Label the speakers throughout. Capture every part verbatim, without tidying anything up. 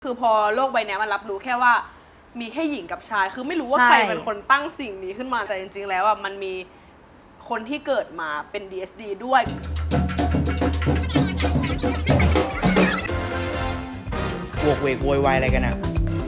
Speaker 1: คือพอโลกใบนี้มันรับรู้แค่ว่ามีแค่หญิงกับชายคือไม่รู้ว่าใครเป็นคนตั้งสิ่งนี้ขึ้นมาแต่จริงๆแล้วอ่ะมันมีคนที่เกิดมาเป็น ดี เอส ดี ด้วย
Speaker 2: โวกเวกโวยวายอะไรกันอ่ะ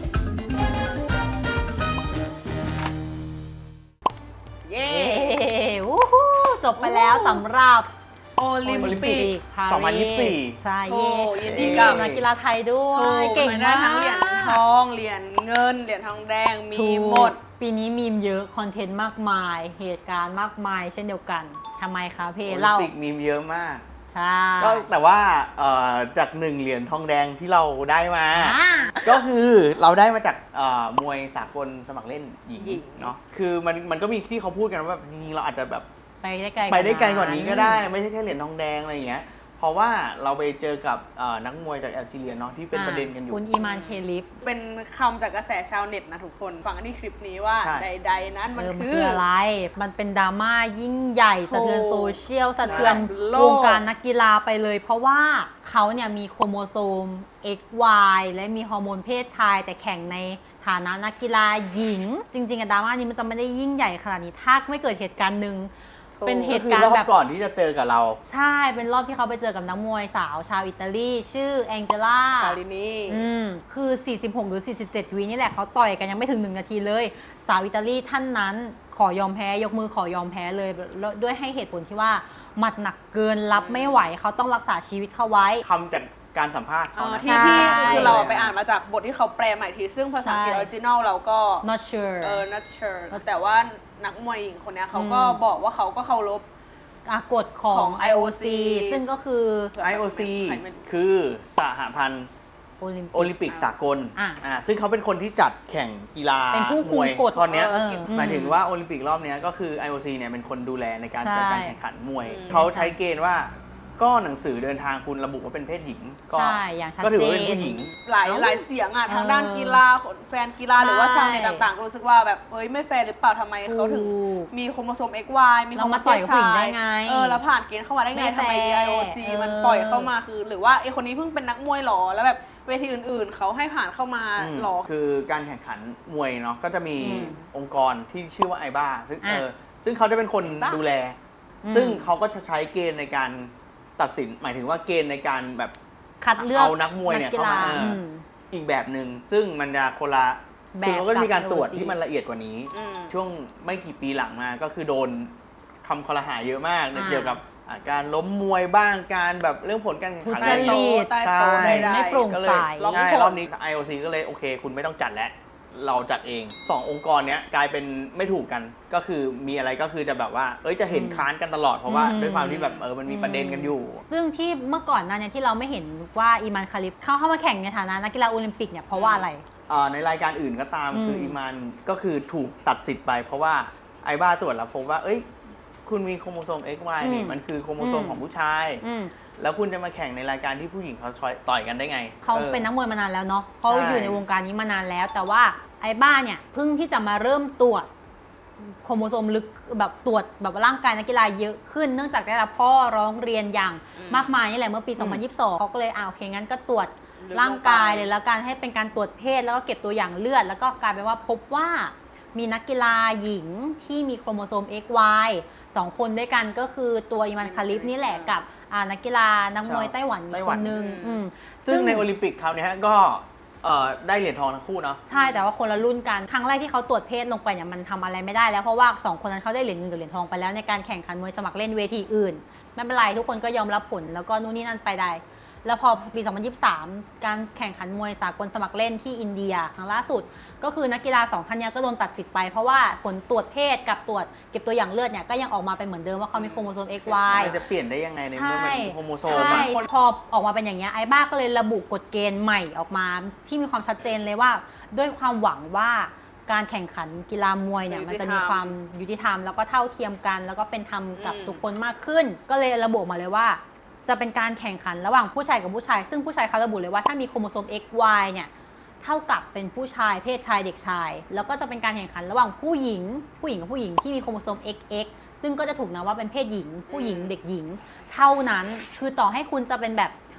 Speaker 1: เย้
Speaker 3: วู้ฮู้จบไปแล้วสำหรับ
Speaker 1: โอลิมปิก
Speaker 2: สองพันยี่สิบสี่
Speaker 3: ใช่เย่
Speaker 1: ยินดีกับ
Speaker 3: นักกีฬาไทยด้วยเก่ง
Speaker 1: ได้
Speaker 3: มาก
Speaker 1: ทั้งเหรียญทองเหรียญเงินเหรียญทองแดงมีหมด
Speaker 3: ปีนี้มีมเยอะคอนเทนต์มากมายเหตุการณ์มากมายเช่นเดียวกันทำไมคะเพ
Speaker 2: โอลิ
Speaker 3: เล่าม
Speaker 2: ปิกมีมเยอะมาก
Speaker 3: ใช่
Speaker 2: ก็แต่ว่าจากหนึ่งเหรียญทองแดงที่เราได้มา ก็คือเราได้มาจากมวยสากลสมัครเล่นหญิงเนาะคือมันมันก็มีที่เขาพูดกันว่าจริงๆเราอาจจะแบบ
Speaker 3: ไปได้ไกล
Speaker 2: ไปได้ไกลกว่านี้ก็ได้ไม่ใช่แค่เหรียญทองแดงอะไรอย่างเงี้ยเพราะว่าเราไปเจอกับนักมวยจากแอลจีเรียเนาะที่เป็นประเด็นกันอยู่
Speaker 3: คุณอีมานเคลิฟ
Speaker 1: เป็นคำจากกระแสชาวเน็ตนะทุกคนฟังที่คลิปนี้ว่าใดๆนั้นมันคือ
Speaker 3: อะไรมันเป็นดราม่ายิ่งใหญ่สะเทือนโซเชียลสะเทือนวงการนักกีฬาไปเลยเพราะว่าเขาเนี่ยมีโครโมโซม เอ็กซ์ วาย และมีฮอร์โมนเพศชายแต่แข่งในฐานะนักกีฬาหญิงจริงๆอะดราม่านี้มันจะไม่ได้ยิ่งใหญ่ขนาดนี้ถ้าไม่เกิดเหตุการณ์หนึ่งเป็นเหตุการณ์แบบ
Speaker 2: ก่อนที่จะเจอกับเรา
Speaker 3: ใช่เป็นรอบที่เขาไปเจอกับนักมวยสาวชาวอิตาลีชื่อแองเจล่า
Speaker 1: คารินี
Speaker 3: อืมคือสี่สิบหกหรือสี่สิบเจ็ดวินี่แหละเขาต่อยกันยังไม่ถึงหนึ่งนาทีเลยสาวอิตาลีท่านนั้นขอยอมแพ้ยกมือขอยอมแพ้เลยด้วยให้เหตุผลที่ว่าหมัดหนักเกินรับไม่ไหวเขาต้องรักษาชีวิตเขาไว้
Speaker 2: คำจากการสัมภาษณ์เขา
Speaker 1: ที่ที่คือเราไปอ่านมาจากบทที่เขาแปลใหม่ทีซึ่งภาษาอังกฤษออริจินอลเราก็
Speaker 3: not sure
Speaker 1: เออ not sure แต่ว่านักมวยหญิงคนนี้เขาก็บอกว่าเขาก็เคารพ
Speaker 3: กฎของ ไอ โอ ซี ซึ่งก็คือ
Speaker 2: ไอ โอ ซี คือสหพันธ์โอลิมปิกสากลอ่าซึ่งเขาเป็นคนที่จัดแข่งกีฬา
Speaker 3: เป็นผู้คุมกฎ
Speaker 2: ตอนนี้หมายถึงว่าโอลิมปิกรอบนี้ก็คือ ไอ โอ ซี เนี่ยเป็นคนดูแลในการจัดการแข่งขันมวยเขาใช้เกณฑ์ว่าก็หนังสือเดินทางคุณระบุว่าเป็นเพศหญิงก็ก็ถือว่าเป็นผู้หญิง
Speaker 1: หลายหลายเสียงอ่ะทางด้านกีฬาแฟนกีฬาหรือว่าชาวเน็ตต่างๆรู้สึกว่าแบบเฮ้ยไม่แฟร์หรือเปล่าทำไมเขาถึงมีโครโมโซม เอ็กซ์ วาย มีโครโมโซมเพศชายเออแล้วผ่านเกณฑ์เข้ามาได้ไงทำไม ไอ โอ ซี มันปล่อยเข้ามาคือหรือว่าไอคนนี้เพิ่งเป็นนักมวยหรอแล้วแบบเวทีอื่นๆเขาให้ผ่านเข้ามาหรอ
Speaker 2: คือการแข่งขันมวยเนาะก็จะมีองค์กรที่ชื่อว่าไอบ้าซึ่งเออซึ่งเขาจะเป็นคนดูแลซึ่งเขาก็จะใช้เกณฑ์ในการตัดสินหมายถึงว่าเกณฑ์ในการแบบ
Speaker 3: คัดเลือก
Speaker 2: เอานักมวยเนี่ยเข้ามาอีกแบบหนึ่งซึ่งมันจะคนละคือเขาก็จะมีการตรวจที่มันละเอียดกว่านี้ช่วงไม่กี่ปีหลังมาก็คือโดนคำคอรหาเยอะมากเกี่ยวกับการล้มมวยบ้างการแบบเรื่องผลการแข่งขัน
Speaker 3: อะไร
Speaker 1: ใช่
Speaker 3: ไม่โปร่งใส
Speaker 2: ใช่รอบนี้ ไอ โอ ซี ก็เลยโอเคคุณไม่ต้องจัดแล้วเราจัดเองสององค์กรเนี้ยกลายเป็นไม่ถูกกันก็คือมีอะไรก็คือจะแบบว่าเอ้ยจะเห็นค้านกันตลอดเพราะว่าด้วยความที่แบบเออมันมีประเด็นกันอยู่
Speaker 3: ซึ่งที่เมื่อก่อนนั้นเนี่ยที่เราไม่เห็นว่าอีมานคาลิฟเข้าเข้ามาแข่งในฐานะนักกีฬาโอลิมปิกเนี่ยเพราะว่าอะไร
Speaker 2: ในรายการอื่นก็ตามคืออีมานก็คือถูกตัดสิทธิ์ไปเพราะว่าไอบ้าตรวจแล้วพบว่าเอ้ยคุณมีโครโมโซม เอ็กซ์ วาย นี่มันคือโครโมโซมของผู้ชายแล้วคุณจะมาแข่งในรายการที่ผู้หญิงเขาต่อยกันได้ไง
Speaker 3: เขาเป็นนักมวยมานานแล้วเนาะเขาอยู่ในวงการนี้มานานแล้วแต่ว่าไอ้บ้าเนี่ยเพิ่งที่จะมาเริ่มตรวจโครโมโซมลึกแบบตรวจแบบร่างกายนักกีฬาเยอะขึ้นเนื่องจากได้รับข้อร้องเรียนอย่างมากมายนี่แหละเมื่อปีสองพันยี่สิบสองเขาก็เลยอ่าโอเคงั้นก็ตรวจร่างกายเลยแล้วการให้เป็นการตรวจเพศแล้วก็เก็บตัวอย่างเลือดแล้วก็กลายเป็นว่าพบว่ามีนักกีฬาหญิงที่มีโครโมโซม เอ็กซ์ วาย สองคนด้วยกันก็คือตัวอีมานคาลิฟนี่แหละกับนักกีฬานักมวยไต้หวันอีกคนนึง
Speaker 2: ซึ่งในโอลิมปิกคราวนี้ก็ได้เหรียญทองทั้งคู่เนาะ
Speaker 3: ใช่แต่ว่าคนละรุ่นกันครั้งแรกที่เขาตรวจเพศลงไปเนี่ยมันทำอะไรไม่ได้แล้วเพราะว่าสองคนนั้นเขาได้เหรียญเงินกับเหรียญทองไปแล้วในการแข่งขันมวยสมัครเล่นเวทีอื่นไม่เป็นไรทุกคนก็ยอมรับผลแล้วก็นู่นนี่นั่นไปได้แล้วพอปีสองพันยี่สิบสามการแข่งขันมวยสากลสมัครเล่นที่อินเดียครั้งล่าสุดก็คือนักกีฬาสองท่านนี้ก็โดนตัดสิทธิ์ไปเพราะว่าผลตรวจเพศกับตรวจเก็บตัวอย่างเลือดเนี่ยก็ยังออกมาเป็นเหมือนเดิมว่าเขามีโครโมโซม เอ็กซ์ วาย
Speaker 2: จะเปลี่ยนได้ยังไงในเมื่อมันโครโมโซม
Speaker 3: ใช่พอออกมาเป็นอย่างเงี้ยไอ้บ้าก็เลยระบุกฎเกณฑ์ใหม่ออกมาที่มีความชัดเจนเลยว่าด้วยความหวังว่าการแข่งขันกีฬามวยเนี่ยมันจะมีความยุติธรรมแล้วก็เท่าเทียมกันแล้วก็เป็นธรรมกับทุกคนมากขึ้นก็เลยระบุมาเลยว่าจะเป็นการแข่งขันระหว่างผู้ชายกับผู้ชายซึ่งผู้ชายเขาระบุเลยว่าถ้ามีโครโมโซม เอ็กซ์ วาย เนี่ยเท่ากับเป็นผู้ชายเพศชายเด็กชายแล้วก็จะเป็นการแข่งขันระหว่างผู้หญิงผู้หญิงกับผู้หญิงที่มีโครโมโซม เอ็กซ์ เอ็กซ์ ซึ่งก็จะถูกนับว่าเป็นเพศหญิงผู้หญิงเด็กหญิงเท่านั้นคือต่อให้คุณจะเป็นแบบ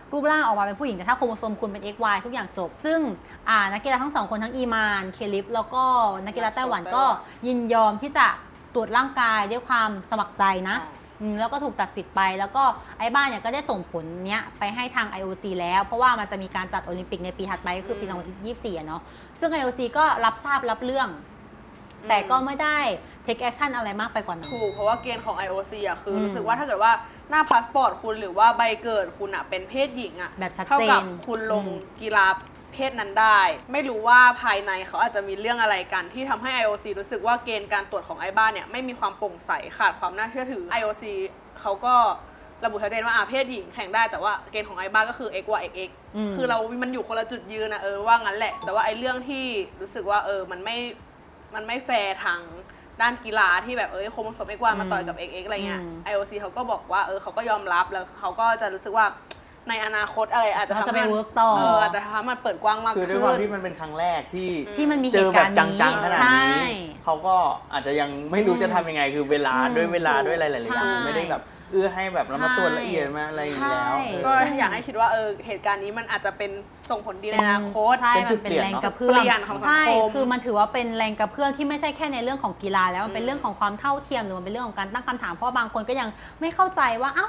Speaker 3: รูปร่างออกมาเป็นผู้หญิงแต่ถ้าโครโมโซมคุณเป็น เอ็กซ์ วาย ทุกอย่างจบซึ่งอ่านักกีฬาทั้งสองคนทั้งอีมานเคลิฟแล้วก็นักกีฬาไต้หวันก็ยินยอมที่จะตรวจร่างกายด้วยความสมัครใจนะแล้วก็ถูกตัดสิทธิ์ไปแล้วก็ไอ้บ้านเนี่ยก็ได้ส่งผลเนี้ยไปให้ทาง ไอ โอ ซี แล้วเพราะว่ามันจะมีการจัดโอลิมปิกในปีถัดไปก็คือปีสองพันยี่สิบสี่อะเนาะซึ่ง ไอ โอ ซี ก็รับทราบรับเรื่องแต่ก็ไม่ได้ take action อะไรมากไปกว่านั้น
Speaker 1: ถูกเพราะว่าเกณฑ์ของ ไอ โอ ซี อ่ะคือรู้สึกว่าถ้าเกิดว่าหน้าพาสปอร์ตคุณหรือว่าใบเกิดคุณอ่ะเป็นเพศหญิงอ่ะ
Speaker 3: แบบชัดเจน
Speaker 1: เท่ากับคุณลงกีฬาเพศนั้นได้ไม่รู้ว่าภายในเขาอาจจะมีเรื่องอะไรกันที่ทำให้ ไอ โอ ซี รู้สึกว่าเกณฑ์การตรวจของไอ้บ้านเนี่ยไม่มีความโปร่งใสขาดความน่าเชื่อถือ ไอ โอ ซี เขาก็ระบุชัดเจนว่าอาเพศหญิงแข่งได้แต่ว่าเกณฑ์ของไอ้บ้านก็คือ X Y X X คือเรามันอยู่คนละจุดยืนนะเออว่างั้นแหละแต่ว่าไอ้เรื่องที่รู้สึกว่าเออมันไม่มันไม่แฟร์ทางด้านกีฬาที่แบบเออโครโมโซม เอ็กซ์ วาย มาต่อยกับ เอ็กซ์ เอ็กซ์ อะไรเงี้ย ไอ โอ ซี เขาก็บอกว่าเออเขาก็ยอมรับแล้วเขาก็จะรู้สึกว่าในอนาคตอะไรอาจจะทำให้
Speaker 3: work ต่อ
Speaker 1: เอออาจจะทำให้มันเปิดกว้างมากขึ้น
Speaker 2: คือด้วยความที่มันเป็นครั้งแรกที่
Speaker 3: ที่มันมี
Speaker 2: เจ
Speaker 3: เห
Speaker 2: อ
Speaker 3: ตุ
Speaker 2: แบ
Speaker 3: การ
Speaker 2: บ
Speaker 3: ณ์
Speaker 2: จั
Speaker 3: นี้
Speaker 2: งๆขนาด
Speaker 3: ใช่
Speaker 2: นี้เขาก็อาจจะยังไม่รู้จะทำยังไงคือเวลาด้วยเวลาด้วยอะไรหลายๆอย่างมันไม่ได้แบบเอื้อให้แบบเรามาตรวจละเอียดมาอะไรอย่างนี้แล้ว
Speaker 1: ก็อยากให้คิดว่าเออเหตุการณ์นี้มันอาจจะเป็นส่งผลดีในอนาคต
Speaker 3: ใช่
Speaker 2: เป็นจุ
Speaker 3: มัน
Speaker 2: ด
Speaker 3: เป็น
Speaker 2: เปลี่ยน
Speaker 3: แรง
Speaker 2: เนอะ
Speaker 3: กระเพื่อม
Speaker 1: เปลี่ยนของสังคม
Speaker 3: ใช่คือมันถือว่าเป็นแรงกระเพื่อมที่ไม่ใช่แค่ในเรื่องของกีฬาแล้วมันเป็นเรื่องของความเท่าเทียมหรือมันเป็นเรื่องของการตั้งคำถามเพราะบางคนก็ยังไม่เข้าใจว่าเอ้า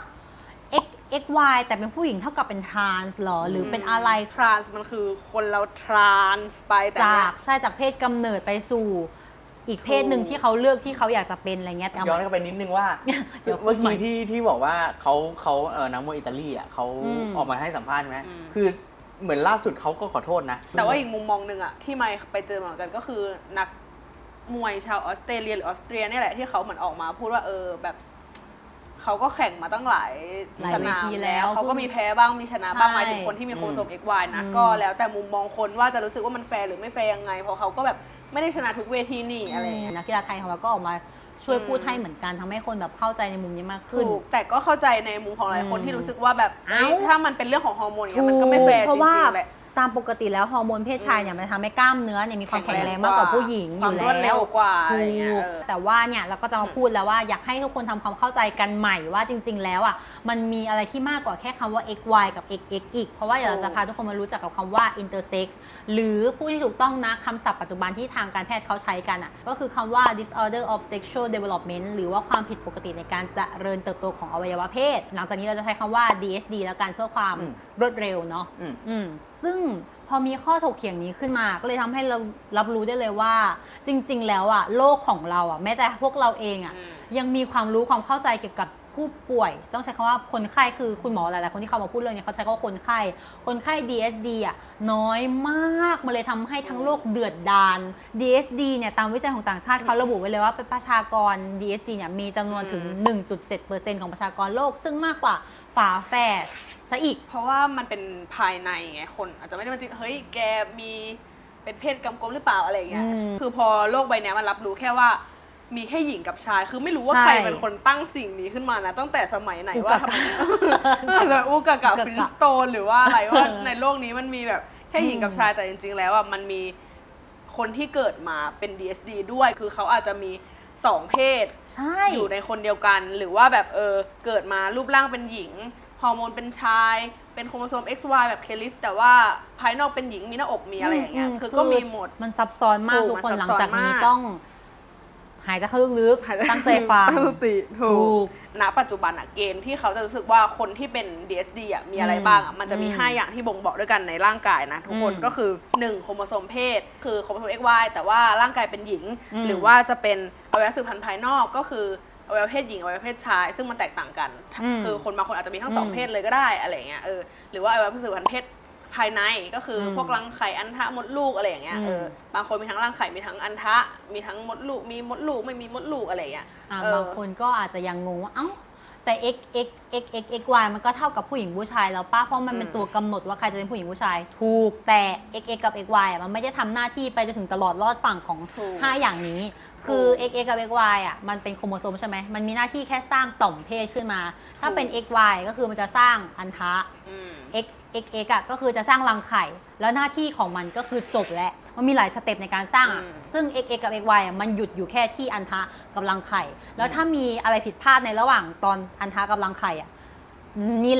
Speaker 3: X X Y แต่เป็นผู้หญิงเท่ากับเป็นทรานส์หรอหรือเป็นอะไร
Speaker 1: ทรานส์มันคือคนเราทรานส์ไปแต่
Speaker 3: จากใช่จากเพศกำเนิดไปสู่อีกเพศหนึ่งที่เขาเลือกที่เขาอยากจะเป็นอะไรเงี้ย
Speaker 2: ย้อนกลับไปนิดนึงว่า เมื่อกี้ที่ที่บอกว่าเขาเขาเออนักมวยอิตาลีอ่ะเขาออกมาให้สัมภาษณ์ไหมคือเหมือนล่าสุดเขาก็ขอโทษนะ
Speaker 1: แต่ว่าอีกมุมมองหนึ่งอ่ะที่ไม่ไปเจอมาเหมือนกันก็คือนักมวยชาวออสเตรเลียหรือออสเตรียนี่แหละที่เขาเหมือนออกมาพูดว่าเออแบบเขาก็แข่งมาตั้งหลายสนามแล้วเขาก็มีแพ้บ้างมีชนะบ้างหมายถึงคนที่มีโครโมโซม เอ็กซ์ วาย นะก็แล้วแต่มุมมองคนว่าจะรู้สึกว่ามันแฟร์หรือไม่แฟร์ยังไงเพราะเขาก็แบบไม่ได้ชนะทุกเวทีนี่อะไรอย่างเงี้ย
Speaker 3: นักกีฬาไทยของเราก็ออกมาช่วยพูดให้เหมือนกันทำให้คนแบบเข้าใจในมุมนี้มากขึ้น
Speaker 1: แต่ก็เข้าใจในมุมของหลายคนที่รู้สึกว่าแบบถ้ามันเป็นเรื่องของฮอร์โมนเนี่ยมันก็ไม่แฟร์จริงๆแหละ
Speaker 3: ตามปกติแล้วฮอร์โมนเพศชายเนี่ยมันทำให้กล้ามเนื้อเนี่ยมีความแข็งแรงมากกว่าผู้หญิงอยู่แล้ว
Speaker 1: ความรวดเร็วกว่าอะไรเงี้ย
Speaker 3: แต่ว่าเนี่ยเราก็จะมาพูดแล้วว่าอยากให้ทุกคนทำความเข้าใจกันใหม่ว่าจริง ๆ แล้วอ่ะมันมีอะไรที่มากกว่าแค่คำว่า X Y กับ X X อีกเพราะว่าเดี๋ยวเราจะพาทุกคนมารู้จักกับคำว่า intersex หรือผู้ที่ถูกต้องนะคำศัพท์ปัจจุบันที่ทางการแพทย์เขาใช้กันอ่ะก็คือคำว่า disorder of sexual development หรือว่าความผิดปกติในการเจริญเติบโตของอวัยวะเพศหลังจากนี้เราจะใช้คำว่า ดี เอส ดี แล้วกันเพื่อความรวดเร็วเนาะซึ่งพอมีข้อถกเถียงนี้ขึ้นมาก็เลยทำให้เรารับรู้ได้เลยว่าจริงๆแล้วอะโลกของเราอะแม้แต่พวกเราเองอะยังมีความรู้ความเข้าใจเกี่ยวกับผู้ป่วยต้องใช้คำว่าคนไข้คือคุณหมอหลายๆคนที่เขามาพูดเรื่องนี้เขาใช้คำว่าคนไข้คนไข้ ดี เอส ดี อะน้อยมากมันเลยทำให้ทั้งโลกเดือดดาล ดี เอส ดี เนี่ยตามวิจัยของต่างชาติเขาระบุไว้เลยว่าเป็นประชากร ดี เอส ดี เนี่ยมีจำนวนถึง หนึ่งจุดเจ็ดเปอร์เซ็นต์ ของประชากรโลกซึ่งมากกว่าฝาแฝดซะอีก
Speaker 1: เพราะว่ามันเป็นภายในไงคนอาจจะไม่ได้มาจริงเฮ้ยแกมีเป็นเพศกำกวมหรือเปล่าอะไรอย่างเงี้ยคือพอโลกใบนี้มันรับรู้แค่ว่ามีแค่หญิงกับชายคือไม่รู้ว่าใครเป็นคนตั้งสิ่งนี้ขึ้นมานะตั้งแต่สมัยไหนว่าทำไมอาจจะอูกะกะฟินสโตนหรือว่าอะไรว่าในโลกนี้มันมีแบบแค่หญิงกับชายแต่จริงๆแล้วอ่ะมันมีคนที่เกิดมาเป็น ดี เอส ดี ด้วยคือเขาอาจจะมีสองเพศอยู่ในคนเดียวกันหรือว่าแบบเออเกิดมารูปร่างเป็นหญิงฮอร์โมนเป็นชายเป็นโครโมโซม เอ็กซ์ วาย แบบเคลิฟแต่ว่าภายนอกเป็นหญิงมีหน้าอกมีอะไรอย่างเงี้ยคือก็มีหมด
Speaker 3: มันซับซ้อนมากทุกคนหลังจากนี้ต้องหายใจเข้าลึกๆตั้งใจฟัง
Speaker 1: ตั้งสติถูกณปัจจุบันอะเกณฑ์ที่เขาจะรู้สึกว่าคนที่เป็น ดี เอส ดี อะมีอะไรบ้างอะมันจะมีห้าอย่างที่บ่งบอกด้วยกันในร่างกายนะทุกคนก็คือหนึ่งโครโมโซมเพศคือโครโมโซม เอ็กซ์ วาย แต่ว่าร่างกายเป็นหญิงหรือว่าจะเป็นอวัยวะสืบพันธุ์ภายนอกก็คืออวัยวะเพศหญิงอวัยวะเพศชายซึ่งมันแตกต่างกันคือคนบางคนอาจจะมีทั้งสองเพศเลยก็ได้อะไรเงี้ยเออหรือว่าอวัยวะสืบพันธุ์เพศภายในก็คือพวกรังไข่อันทะมดลูกอะไรอย่างเงี้ยเออบางคนมีทั้งรังไข่มีทั้งอันทะมีทั้งมดลูกมีมดลูกไม่มีมดลูกอะไรอย่างเงี้ย
Speaker 3: บางคนก็อาจจะยังงงว่าเอ้าแต่ x x x x x y มันก็เท่ากับผู้หญิงผู้ชายแล้วป้าเพราะมันเป็นตัวกำหนดว่าใครจะเป็นผู้หญิงผู้ชายถูกแต่ x x กับ x y อ่ะมันไม่ได้ทำหน้าที่ไปจนถึงตลอดรอดฝั่งของห้าอย่างนี้คือ x x กับ x y อ่ะมันเป็นโครโมโซมใช่ไหมมันมีหน้าที่แค่สร้างต่อมเพศขึ้นมาถ้าเป็น x y ก็คือมันจะสร้างอันทะ x x x อ่ะก็คือจะสร้างรังไข่แล้วหน้าที่ของมันก็คือจบแล้วมันมีหลายสเต็ปในการสร้างอ่ะซึ่ง x x กับ x y อ่ะมันหยุดอยู่แค่ที่อันทะกับรังไข่แล้วถ้ามีอะไรผิดพลาดในระหว่างตอนอันทะกับรังไข่อ่ะนี่แหละ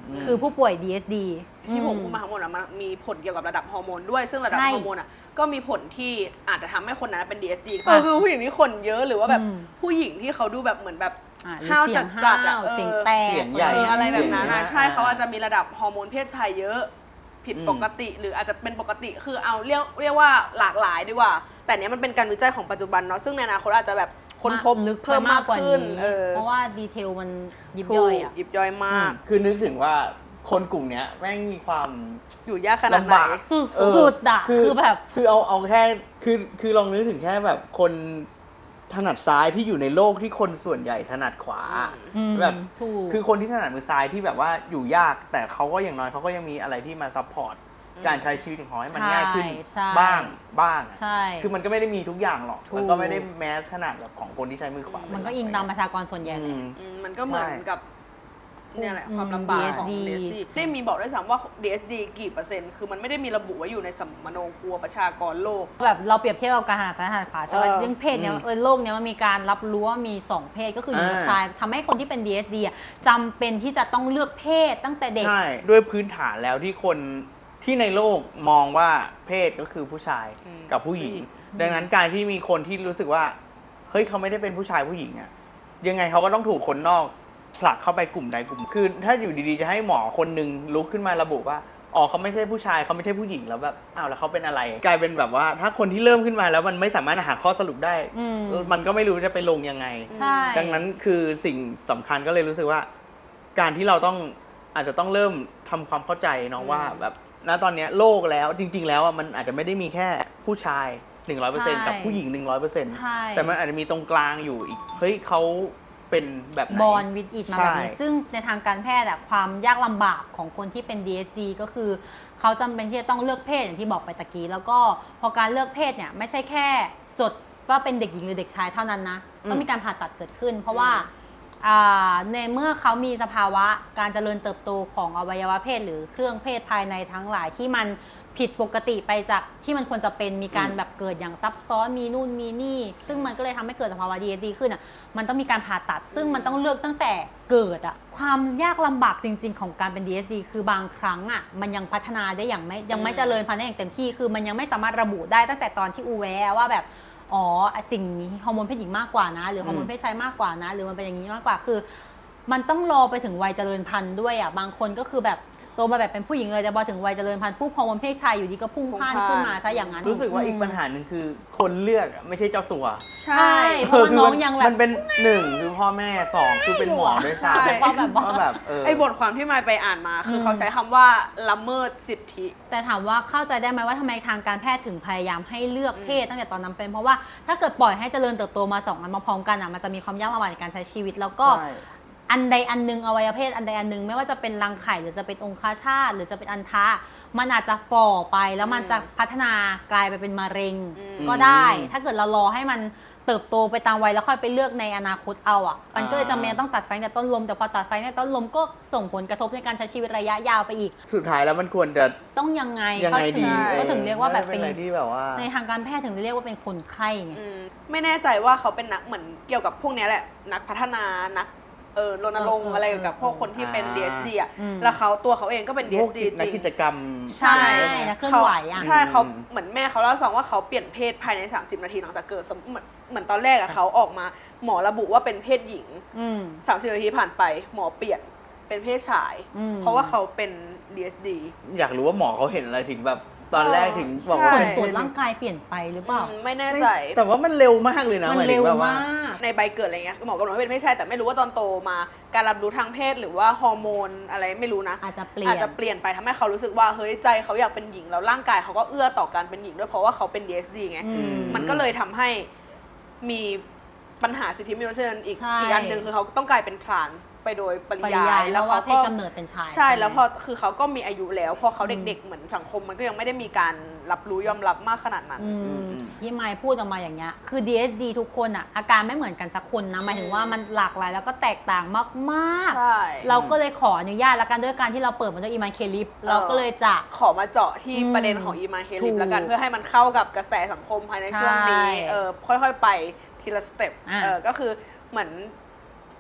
Speaker 3: คือผู้ป่วย ดี เอส ดี
Speaker 1: ที่ผมพูดมาทั้งหมดอะมันมีผลเกี่ยวกับระดับฮอร์โมนด้วยซึ่งระดับ
Speaker 3: ใช่
Speaker 1: ฮอร์โมนอะก็มีผลที่อาจจะทำให้คนนั้นเป็น ดี เอส ดี ก็คือผู้หญิงที่ขนเยอะหรือว่าแบบ
Speaker 3: อืม
Speaker 1: ผู้หญิงที่เขาดูแบบเหมือนแบบ
Speaker 3: อ่ะหรือ
Speaker 1: ห้าว
Speaker 3: เสียง
Speaker 1: จัดๆอะ
Speaker 3: ห้าว
Speaker 1: เออ
Speaker 3: เสียงแตก
Speaker 2: เสียงใหญ่
Speaker 1: เอออะไรแบบนั้น
Speaker 2: เสีย
Speaker 1: นะ
Speaker 2: ง
Speaker 1: ใช่
Speaker 2: อ่า
Speaker 1: เขาอาจจะมีระดับฮอร์โมนเพศชายเยอะผิดปกติ หรืออาจจะเป็นปกติคือเอาเรียกเรียกว่าหลากหลายดีกว่า แต่เนี้ยมันเป็นการวิจัยของปัจจุบันเนาะซึ่งในอนาคตอาจจะแบบค้นพบ
Speaker 3: ลึก
Speaker 1: เพิ่มมากขึ้น
Speaker 3: นี้
Speaker 1: เออ
Speaker 3: เพราะว่าดีเทลมันยิบ
Speaker 1: ถู
Speaker 3: ย่อย
Speaker 1: ก
Speaker 3: อ่ะ
Speaker 1: ยิบย่อยมาก
Speaker 2: คือนึกถึงว่าคนกลุ่มเนี้ยแม่งมีความ
Speaker 1: อยู่ยากขนาดไหน
Speaker 2: ลำบาก
Speaker 3: สุด
Speaker 2: เออ
Speaker 3: สุดอ่ะ
Speaker 2: คือ
Speaker 3: คือแบบ
Speaker 2: คือเอาเอาแค่คือคือลองนึกถึงแค่แบบคนถนัดซ้ายที่อยู่ในโลกที่คนส่วนใหญ่ถนัดขวา
Speaker 3: อืม
Speaker 2: แบบ
Speaker 3: ถูก
Speaker 2: คือคนที่ถนัดมือซ้ายที่แบบว่าอยู่ยาก แต่เขาก็อย่างน้อยเขาก็ยังมีอะไรที่มาซัพพอร์ตการใช้ชีวิตของเขาให้มันง่ายขึ้น
Speaker 3: ใช่
Speaker 2: บ้างบ้าง
Speaker 3: ใช่
Speaker 2: คือมันก็ไม่ได้มีทุกอย่างหรอก
Speaker 3: ถูก
Speaker 2: แล้วก็ไม่ได้แมสขนาดแบบของคนที่ใช้มือขวา
Speaker 3: มั
Speaker 2: มัน
Speaker 3: ก็อิงตามประชากรส่วนใหญ่แหละ
Speaker 1: อืมมันก็เหมือน
Speaker 2: ใช่
Speaker 1: กับเนี่ยแหละ
Speaker 3: อืม
Speaker 1: ความลำบากของ
Speaker 3: ดี
Speaker 1: ดี
Speaker 3: เอ
Speaker 1: เอ
Speaker 3: ส
Speaker 1: ส
Speaker 3: ดี
Speaker 1: ดีได้มีบอกด้วยซ้ำว่า ดี เอส ดี กี่เปอร์เซ็นต์คือมันไม่ได้มีระบุไว้อยู่ในสมโนครัวประชากรโลก
Speaker 3: แบบเราเปรียบเทียบกับการถนัดซ้ายถนัดขวาใช่ไหม
Speaker 1: เออ
Speaker 3: ซึ่งเพศเนี้ย
Speaker 2: อืม
Speaker 3: เออโลกเนี้ยมันมีการรับรู้ว่ามีสองเพศก็คือหญิงกับ
Speaker 2: อ่า
Speaker 3: ชายทำให้คนที่เป็น ดี เอส ดี อ่ะจำเป็นที่จะต้องเลือกเพศตั้งแต่เด็ก
Speaker 2: ใช่ด้วยพื้นฐานแล้วที่คนที่ในโลกมองว่าเพศก็คือผู้ชาย
Speaker 1: อืม
Speaker 2: กับผู้หญิง
Speaker 1: ผู้หญิง
Speaker 2: ดังนั้นการที่มีคนที่รู้สึกว่าเฮ้ยเขาไม่ได้เป็นผู้ชายผู้หญิงอะยังไงเขาก็ต้องถูกคนนอกผลักเข้าไปกลุ่มใดกลุ่มคือถ้าอยู่ดีๆจะให้หมอคนหนึ่งลุกขึ้นมาระบุว่าอ๋อเขาไม่ใช่ผู้ชายเขาไม่ใช่ผู้หญิงแล้วแบบอ้าวแล้วเขาเป็นอะไร กลายเป็นแบบว่าถ้าคนที่เริ่มขึ้นมาแล้วมันไม่สามารถหาข้อสรุปได้
Speaker 3: อืม
Speaker 2: มันก็ไม่รู้จะไปลงยังไง
Speaker 3: ใช่
Speaker 2: ดังนั้นคือสิ่งสำคัญก็เลยรู้สึกว่า การที่เราต้องอาจจะต้องเริ่มทำความเข้าใจเนาะว่าแบบณตอนเนี้ยโลกแล้วจริง ๆ แล้วอ่ะมันอาจจะไม่ได้มีแค่ผู้ชาย หนึ่งร้อยเปอร์เซ็นต์ กับผู้หญิง หนึ่งร้อยเปอร์เซ็นต์
Speaker 3: ใช่
Speaker 2: แต่มันอาจจะมีตรงกลางอยู่อีกเฮ้ยเขาเป็นแบบไหน
Speaker 3: บอลวิดอิดมาแบบนี้
Speaker 2: ใช่
Speaker 3: ซึ่งในทางการแพทย์อะความยากลำบากของคนที่เป็น ดี เอส ดี ก็คือเขาจำเป็นที่จะต้องเลือกเพศอย่างที่บอกไปตะกี้ แล้วก็พอการเลือกเพศเนี่ยไม่ใช่แค่จดว่าเป็นเด็กหญิงหรือเด็กชายเท่านั้นนะต้องมีการผ่าตัดเกิดขึ้น เพราะว่าอ่าในเมื่อเขามีสภาวะการเจริญเติบโตของอวัยวะเพศหรือเครื่องเพศภายในทั้งหลายที่มันผิดปกติไปจากที่มันควรจะเป็นมีการแบบเกิดอย่างซับซ้อนมีนู่นมีนี่ ซึ่งมันก็เลยทำให้เกิดสภาวะ ดี เอส ดี ขึ้นอ่ะมันต้องมีการผ่าตัด ซึ่งมันต้องเลือกตั้งแต่เกิดอ่ะความยากลำบากจริง ๆ ของการเป็น ดี เอส ดี คือบางครั้งอ่ะมันยังพัฒนาได้อย่างไม่ยังไม่เจริญพันธุ์ได้อย่างเต็มที่คือมันยังไม่สามารถระบุได้ตั้งแต่ตอนที่อูแวะว่าแบบอ๋อสิ่งนี้ฮอร์โมนเพศหญิงมากกว่านะหรือฮอร์โมนเพศชายมากกว่านะหรือมันเป็นอย่างนี้มากกว่าคือมันต้องรอไปถึงวัยเจริญพันธุ์ด้วยอ่ะบางคนก็คือแบบโตมาแบบเป็นผู้หญิงเลยแต่พอถึงวัยเจริญพันธุ์ปุ๊บฮอร์โมนเพศชายอยู่ดีก็พุ่งพล่านขึ้นมาซะอย่างนั้น
Speaker 2: รู้สึกว่าอีกปัญหาหนึ่งคือคนเลือกอะไม่ใช่เจ้าตัว
Speaker 1: ใช่
Speaker 3: ใช่เพราะว่าน้องยังแบบ
Speaker 2: มันเป็นหนึ่งคือพ่อแม่สองคือเป็นหมอด้วยซ้ำ
Speaker 3: ใช่ว่าแบบว่า
Speaker 2: ว่าแบบเออ
Speaker 1: ไอ้บทความที่มายไปอ่านมา คือ
Speaker 3: ม
Speaker 1: เขาใช้คำว่าละเมิดสิทธิ
Speaker 3: แต่ถามว่าเข้าใจได้ไหมว่าทำไมทางการแพทย์ถึงพยายามให้เลือกเพศตั้งแต่ตอนนั้นเป็นเพราะว่าถ้าเกิดปล่อยให้เจริญเติบโตมาสองอันมาพร้อมกันอ่ะมันจะมีความยากลำบากในการใช้ชีวิตแล้วก็
Speaker 2: ใช่
Speaker 3: อันใดอันหนึงอวัยวะเพศอันใดอันหนึงไม่ว่าจะเป็นรังไข่หรือจะเป็นองคชาตหรือจะเป็นอันทะมันอาจจะฝ่อไปแล้วมันจะพัฒนากลายไปเป็นมะเร็ง
Speaker 1: อืม
Speaker 3: ก็ได้ ถ้าเกิดเรารอให้มันเติบโตไปตามวัยแล้วค่อยไปเลือกในอนาคตเอาอ่ะมันก็เลยจำเป็นต้องตัดไฟในต้นลมแต่พอตัดไฟในต้นลมก็ส่งผลกระทบในการใช้ชีวิตระยะยาวไปอีก
Speaker 2: สุดท้ายแล้วมันควรจะ
Speaker 3: ต้องยังไง
Speaker 2: ยังไง
Speaker 3: ก็ถึ
Speaker 2: ดี
Speaker 3: ก็ถึงเรียกว่าแบบ
Speaker 2: เป็
Speaker 3: เป็น น
Speaker 2: อะไรที่แบบว่า
Speaker 3: ในทางการแพทย์ถึงเรียกว่าเป็นคนไข้ไง
Speaker 1: อืมไม่แน่ใจว่าเขาเป็นนักเหมือนเกี่ยวกับพวกเนี้ยแหละ นักพัฒนานักเออรณรงค์
Speaker 3: เออเออ
Speaker 1: อะไรเกี่ยวกับพวกคนที่เป็น
Speaker 2: อ่า
Speaker 1: ดี เอส ดี อ่ะ
Speaker 3: อืม
Speaker 1: แล้วเขาตัวเขาเองก็เป็น ดี
Speaker 2: พ
Speaker 1: เอ
Speaker 2: วก
Speaker 1: ส ดี
Speaker 2: นัก
Speaker 1: จริ
Speaker 2: กิ
Speaker 1: ง
Speaker 2: จกรรม
Speaker 3: ใช่
Speaker 2: ไหม
Speaker 3: นักเคลื่อนไหวอ่ะ
Speaker 1: ใช่เขา
Speaker 2: อืม
Speaker 1: เหมือนแม่เขาเล่าให้ฟังว่าเขาเปลี่ยนเพศภายในสามสิบนาทีหลังจากเกิดสมเหมือนเหมือนตอนแรกอะเขาออกมาหมอระบุว่าเป็นเพศหญิง
Speaker 3: อืม
Speaker 1: สามสิบนาทีผ่านไปหมอเปลี่ยนเป็นเพศชาย
Speaker 3: อืม
Speaker 1: เพราะว่าเขาเป็น ดี เอส ดี
Speaker 2: อยากรู้ว่าหมอเขาเห็นอะไรถึงแบบตอนแรกถึงบอก
Speaker 1: ใช่
Speaker 2: ว่า
Speaker 3: ผล
Speaker 2: เป็น
Speaker 3: ตรวจร่างกายเปลี่ยนไปหรือเปล่า
Speaker 1: อืมไม่แน่ใจ
Speaker 2: แต่ว่ามันเร็วมากเลยนะ
Speaker 3: มัน
Speaker 2: หายถึ
Speaker 3: เร็
Speaker 2: ง
Speaker 3: ว
Speaker 2: แบบ
Speaker 3: มาก
Speaker 1: ในใบเกิดอะไรเงี้ยหมอกำหนดว่าเป็นเพศชายแต่ไม่รู้ว่าตอนโตมาการรับรู้ทางเพศหรือว่าฮอร์โมนอะไรไม่รู้นะ
Speaker 3: อาจจะเปลี่ยน
Speaker 1: อาจจะเปลี่ยนไปทำให้เขารู้สึกว่าเฮ้ยใจเขาอยากเป็นหญิงแล้วร่างกายเขาก็เอื้อต่อการเป็นหญิงด้วยเพราะว่าเขาเป็น ดี เอส ดี ไง
Speaker 3: อืม
Speaker 1: มันก็เลยทำให้มีปัญหาสิทธิมนุษยชนอีก
Speaker 3: ใช่
Speaker 1: อีกอันหนึ่งคือเขาต้องกลายเป็นทรานส์ไปโดยปริ
Speaker 3: ปริยาย
Speaker 1: าย ย
Speaker 3: แล้วว่าเพศ
Speaker 1: ก็
Speaker 3: กำเนิดเป็นชาย
Speaker 1: ใช่
Speaker 3: ไหม
Speaker 1: แล้วพอคือเขาก็มีอายุแล้วพอเขาเด็กๆเหมือนสังคมมันก็ยังไม่ได้มีการรับรู้ยอมรับมากขนาดนั้น
Speaker 3: อืม
Speaker 2: อืม
Speaker 3: ที่ไมค์พูดออกมาอย่างเงี้ยคือ ดี เอส ดี ทุกคนอ่ะอาการไม่เหมือนกันสักคนนะหมายถึงว่ามันหลากหลายแล้วก็แตกต่างมาก
Speaker 1: ใช่
Speaker 3: ๆ เราก็เลยขออนุญาตแล้วกันด้วยการที่เราเปิดมาด้วยอีมานเคลิปเราก็เลยจะ
Speaker 1: ขอมาเจาะที่
Speaker 3: อืม
Speaker 1: ประเด็นของอีมานเค
Speaker 3: ถู
Speaker 1: ลิป
Speaker 3: ก
Speaker 1: แล้วกันเพื่อให้มันเข้ากับกระแสสังคมภายในช่วงนี้
Speaker 3: ใช่
Speaker 1: เออค่อยๆไปทีละสเต็ป
Speaker 3: อ่ะ
Speaker 1: เออก็คือเหมือน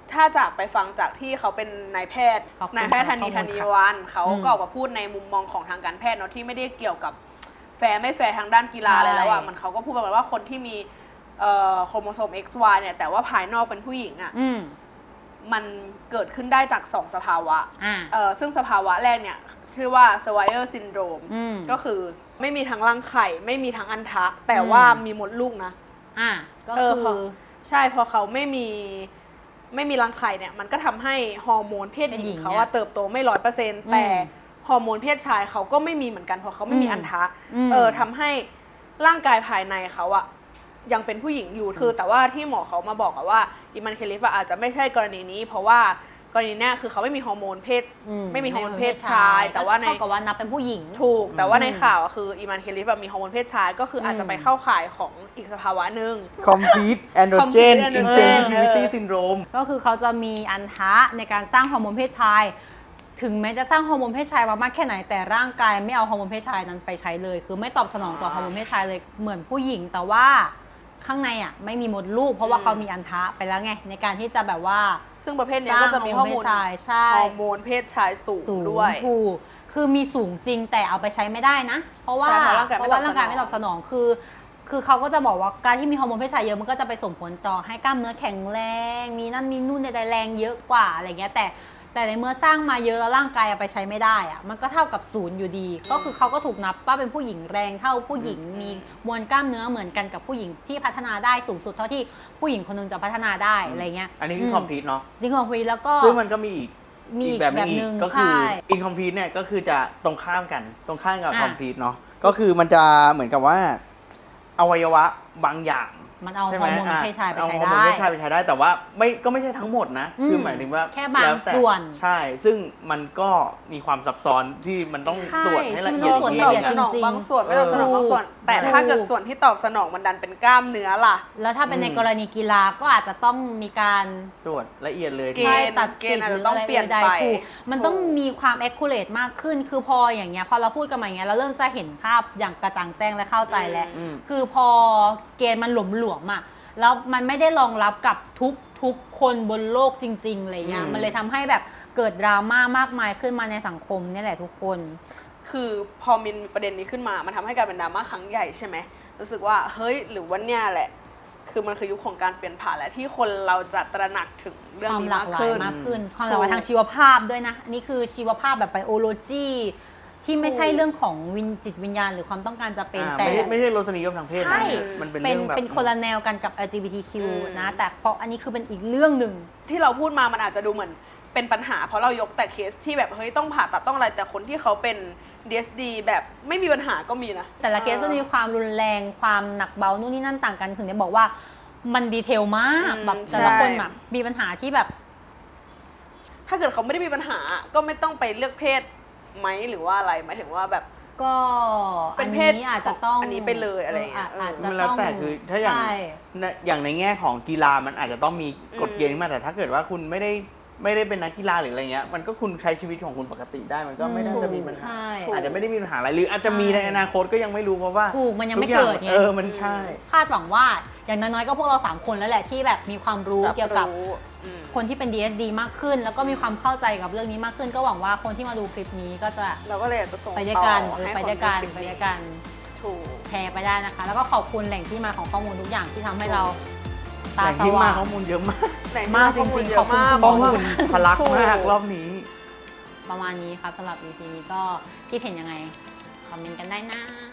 Speaker 1: ถ้าจากไปฟังจากที่เขาเป็นนายแพทย์
Speaker 3: ขอบคุณ
Speaker 1: นายแพทย์ธนี
Speaker 3: ค่ะ
Speaker 1: ธนีวันเขา
Speaker 3: อืม
Speaker 1: ก็ออกมาพูดในมุมมองของทางการแพทย์เนาะที่ไม่ได้เกี่ยวกับแฟร์ไม่แฟร์ทางด้านกีฬา
Speaker 3: ใช่
Speaker 1: อะไรแล้วอ่ะมันเขาก็พูดประมาณว่าคนที่มีเอ่อโครโมโซม เอ็กซ์ วาย เนี่ยแต่ว่าภายนอกเป็นผู้หญิงอ่ะ
Speaker 3: อืม
Speaker 1: มันเกิดขึ้นได้จากสองสภาวะ
Speaker 3: อ่า
Speaker 1: เอ่อซึ่งสภาวะแรกเนี่ยชื่อว่า Swyer syndrome
Speaker 3: อืม
Speaker 1: ก็คือไม่มีทั้งรังไข่ไม่มีทั้งอันทะ แต่ว่ามีมดลูกนะ
Speaker 3: อ่าก็
Speaker 1: เออ
Speaker 3: คือ
Speaker 1: พอใช่พอเขาไม่มีไม่มีรังไข่เนี่ยมันก็ทำให้ฮอร์โมนเพศหญิงเขาว่าเติบโตไม่ร้อยเปอร์เซ็นต์แต่ฮอร์โมนเพศชายเขาก็ไม่มีเหมือนกันเพราะเขาไม่มีอันทะเออทำให้ร่างกายภายในเขาอะยังเป็นผู้หญิงอยู่คือแต่ว่าที่หมอเขามาบอกอะว่าอิมันเคลิฟอาจจะไม่ใช่กรณีนี้ เพราะว่ากรณีเนี้ยคือเขาไม่มีฮอร์โมนเพศ
Speaker 3: อื
Speaker 1: ไม่มีฮอร์โมนเพศชาย แต่ว่าใน
Speaker 3: เท่ากับว่านับเป็นผู้หญิง
Speaker 1: ถูกแต่ว่า
Speaker 3: อืม
Speaker 1: ในข่าวอะคืออีมันเคลิฟแบบมีฮอร์โมนเพศชายก็คืออาจจะไปเข้าข่ายของอีกสภาวะหนึ่ง
Speaker 2: complete androgen
Speaker 1: Complete androgen
Speaker 2: insensitivity
Speaker 1: เออ
Speaker 2: syndrome
Speaker 3: ก็คือเขาจะมีอันทะในการสร้างฮอร์โมนเพศชาย ถึงแม้จะสร้างฮอร์โมนเพศชายมามากแค่ไหนแต่ร่างกายไม่เอาฮอร์โมนเพศชายนั้นไปใช้เลย คือไม่ตอบสนองต่อฮอร์โมนเพศชายเลยเหมือนผู้หญิง แต่ว่าข้างในอ่ะไม่มีมดลูก เพราะว่าเขามีอันทะไปแล้วไงในการที่จะแบบว่า
Speaker 1: ซึ่งประเภทเนี้ยก็จะมีฮอร์โมน
Speaker 3: สร้างฮอร์โมนเพศชายใช่
Speaker 1: ฮอร์โมนเพศชายสูง
Speaker 3: สูง
Speaker 1: ด้วย
Speaker 3: ถูกคือมีสูงจริงแต่เอาไปใช้ไม่ได้นะ เพราะว่า
Speaker 1: ใช่เพราะร่างกาย
Speaker 3: เพ
Speaker 1: ไม่
Speaker 3: ราะ
Speaker 1: ตอบ
Speaker 3: ว่าร่างกาย
Speaker 1: สนอง
Speaker 3: ไม่ตอบสนองคือ คือเขาก็จะบอกว่าการที่มีฮอร์โมนเพศชายเยอะมันก็จะไปส่งผลต่อให้กล้ามเนื้อแข็งแรง มีนั่นมีนู่นใดๆแรงเยอะกว่าอะไรเงี้ยแต่แต่ในเมื่อสร้างมาเยอะแล้วร่างกายเอาไปใช้ไม่ได้อะมันก็เท่ากับศูนย์อยู่ดี ก็คือเขาก็ถูกนับว่าเป็นผู้หญิงแรงเท่าผู้หญิงมีมวลกล้ามเนื้อเหมือนกันกับผู้หญิงที่พัฒนาได้สูงสุดเท่าที่ผู้หญิงคนหนึงจะพัฒนาได้อะไรเงี้ย
Speaker 2: อันนี้คือ complete เนาะ
Speaker 3: สติงของคุยแล้วก็
Speaker 2: ซึ่งมันก็มีอีก
Speaker 3: มีอีก
Speaker 2: แบบหนึง
Speaker 3: แบบหนึ่ง
Speaker 2: อีกก็คือ
Speaker 3: ใช่
Speaker 2: incomplete เนี่ยก็คือจะตรงข้ามกันตรงข้ามกับ
Speaker 3: อ่ะ
Speaker 2: complete เนาะก็คือมันจะเหมือนกับว่าอวัยวะบางอย่าง
Speaker 3: มันเอา
Speaker 2: ใช่
Speaker 3: ฮ
Speaker 2: ไห
Speaker 3: อ
Speaker 2: ม
Speaker 3: ร์โมน
Speaker 2: อ่ะ
Speaker 3: เพศชายไป
Speaker 2: เอา
Speaker 3: ใช้
Speaker 2: ฮอร์โมน
Speaker 3: ได้
Speaker 2: เพศชายไปใช้ได้แต่ว่าไม่ก็ไม่ใช่ทั้งหมดนะ
Speaker 3: อืม
Speaker 2: คือหมายถึงว่า
Speaker 3: แค่บาง
Speaker 2: ล้วต่
Speaker 3: ส่วน
Speaker 2: ใช่ ซึ่งมันก็มีความซับซ้อนที่มันต้อง
Speaker 3: ใช่
Speaker 2: ตรวจให้ละ
Speaker 3: ที่
Speaker 2: เอียด
Speaker 3: มัน
Speaker 1: ต
Speaker 3: ต้
Speaker 1: อ
Speaker 3: อง
Speaker 1: บ
Speaker 3: ตรวจ
Speaker 1: สนอง
Speaker 3: จริงๆ
Speaker 1: บางส่วนไม่ตอบสนองบางส่วน แต่ถ้าเกิดส่วนที่ตอบสนองมันดันเป็นกล้ามเนื้อล่ะ
Speaker 3: แล้วถ้าเป็น
Speaker 2: อืม
Speaker 3: ในกรณีกีฬาก็อาจจะต้องมีการ
Speaker 2: ตรวจละเอียดเลย
Speaker 1: เกณฑ์
Speaker 3: ใช่ตัด
Speaker 1: เก
Speaker 3: สิ
Speaker 1: ณ
Speaker 3: ท
Speaker 1: ฑ์
Speaker 3: ธิ์
Speaker 1: อาจ
Speaker 3: ห
Speaker 1: จะ
Speaker 3: รือ
Speaker 1: ต้อง
Speaker 3: อะไร
Speaker 1: เปลี่ยน
Speaker 3: ใด
Speaker 1: ไป
Speaker 3: ๆถูกมันต้อง
Speaker 1: ถูก
Speaker 3: มีความ accurate มากขึ้น คือพออย่างเงี้ยพอเราพูดกันมาอย่างเงี้ยเราเริ่มจะเห็นภาพอย่างกระจ่างแจ้งและเข้าใจแล้ว
Speaker 2: อืม
Speaker 3: คือพอเกณฑ์มันหลวมๆอ่ะแล้วมันไม่ได้รองรับกับทุกทุกคนบนโลกจริงๆอะไรเงี้ย
Speaker 2: อืม
Speaker 3: มันเลยทำให้แบบเกิดดราม่ามากมายขึ้นมาในสังคมเนี่ยแหละทุกคน
Speaker 1: คือพอมีประเด็นนี้ขึ้นมา มันทำให้กลายเป็นดราม่าครั้งใหญ่ใช่ไหมรู้สึกว่าเฮ้ยหรือว่าเนี่ยแหละ คือมันคือยุคของการเปลี่ยนผ่านและที่คนเราจะตระหนักถึงเรื่อง
Speaker 3: ความ
Speaker 1: นี้
Speaker 3: หลาม
Speaker 1: าก ก
Speaker 3: หลาย
Speaker 1: ขึ้น
Speaker 3: มากขึ้น ความหลากหลาย
Speaker 1: ถูก
Speaker 3: ทางชีวภาพด้วยนะอันนี่คือชีวภาพแบบไบโอโลจีที่ไม่ใช่
Speaker 1: ถูก
Speaker 3: เรื่องของวิญจิตวิญญาณหรือความต้องการจะเป็น
Speaker 2: อ่า
Speaker 3: แต่
Speaker 2: ไม่ใช่ไม่ใช่รสนิยมทางเพศ
Speaker 3: ใช่
Speaker 2: นะมันเป็น
Speaker 3: เป็น
Speaker 2: เรื่องแบบ
Speaker 3: เป็นคนละแนวกันกับ แอล จี บี ที คิว
Speaker 1: อืม
Speaker 3: นะ แต่เพราะอันนี้คือเป็นอีกเรื่องหนึ่ง
Speaker 1: ที่เราพูดมามันอาจจะดูเหมือนเป็นปัญหา เพราะเรายกแต่เคสที่แบบเฮ้ยต้องผ่าตัดต้องอะไรแต่คนที่เขาเป็น ดี เอส ดี แบบไม่มีปัญหาก็มีนะ
Speaker 3: แต่ละเคสจะมีความรุนแรงความหนักเบานู่นนี่นั่นต่างกันถึงได้บอกว่ามันดีเทลมาก
Speaker 1: อืม
Speaker 3: แบบแต่ละคน
Speaker 1: ใช่
Speaker 3: แบบมีปัญหาที่แบบ
Speaker 1: ถ้าเกิดเขาไม่ได้มีปัญหาก็ไม่ต้องไปเลือกเพศไหมหรือว่าอะไรหมายถึงว่าแบบ
Speaker 3: ก็
Speaker 1: เป็
Speaker 3: อั
Speaker 1: น
Speaker 3: น
Speaker 1: เพศ
Speaker 3: นี้อาจจะต้อง
Speaker 1: อันนี้ไปเลยอะไรอย่างเงี้ย
Speaker 3: อาจจะ
Speaker 2: มันแล้ว
Speaker 3: ต้อง
Speaker 2: แต่คือถ้าอย่าง
Speaker 3: ใช่
Speaker 2: ในอย่างในแง่ของกีฬามันอาจจะต้องมีกฎเกณฑ์ขึ้นมาแต่ถ้าเกิดว่าคุณไม่ได้ไม่ได้เป็นนักกีฬาหรืออะไรเงี้ยมันก็คุณใช้ชีวิตของคุณปกติได้มันก็ไม่น่าจะมีปัญหา
Speaker 3: ใช่
Speaker 2: อาจจะไม่ได้มีปัญหาอะไรหรืออาจจะมีในอนาคตก็ยังไม่รู้เพราะว่า
Speaker 3: ถูกมันยังไม่
Speaker 2: ทุอา
Speaker 3: เกิดไง
Speaker 2: เออมันใช่
Speaker 3: คาดหวังว่าอย่างน้อยๆก็พวกเราสามคนแล้วแหละที่แบบมีความรู้
Speaker 1: รับ
Speaker 3: เกี่ยวกับ
Speaker 1: รู้อืม
Speaker 3: คนที่เป็น ดี เอส ดี มากขึ้น แล้วก็มีความเข้าใจกับเรื่องนี้มากขึ้น ก็หวังว่าคนที่มาดูคลิปนี้ก็จะ
Speaker 1: เราก็เลยอยากจะส่ง
Speaker 3: ไปด้วยกัน
Speaker 1: ต่อ
Speaker 3: เออ
Speaker 1: ให้
Speaker 3: ไปด้วยกัน
Speaker 1: ค
Speaker 3: ไปด้วยกัน
Speaker 1: ถูก
Speaker 3: แชร์ไปได้นะคะ แล้วก็ขอบคุณแหล่งที่มาของข้อมูลทุกอย่างที่ทำให้เราตา
Speaker 2: แต่
Speaker 3: ส
Speaker 2: ที่มา
Speaker 3: ว่าง
Speaker 2: ข้อมูลเยอะมาก
Speaker 1: แต่
Speaker 3: มากจริงๆ
Speaker 1: ข้อมูลเย
Speaker 3: ขอบคุณ
Speaker 1: อะมาก
Speaker 3: คุณ
Speaker 2: ข้อ
Speaker 3: ห
Speaker 2: มูลทะลักมากรอบนี้
Speaker 3: ประมาณนี้ครับสำหรับ อี พี นี้ก็คิดเห็นยังไง คอมเมนต์กันได้นะ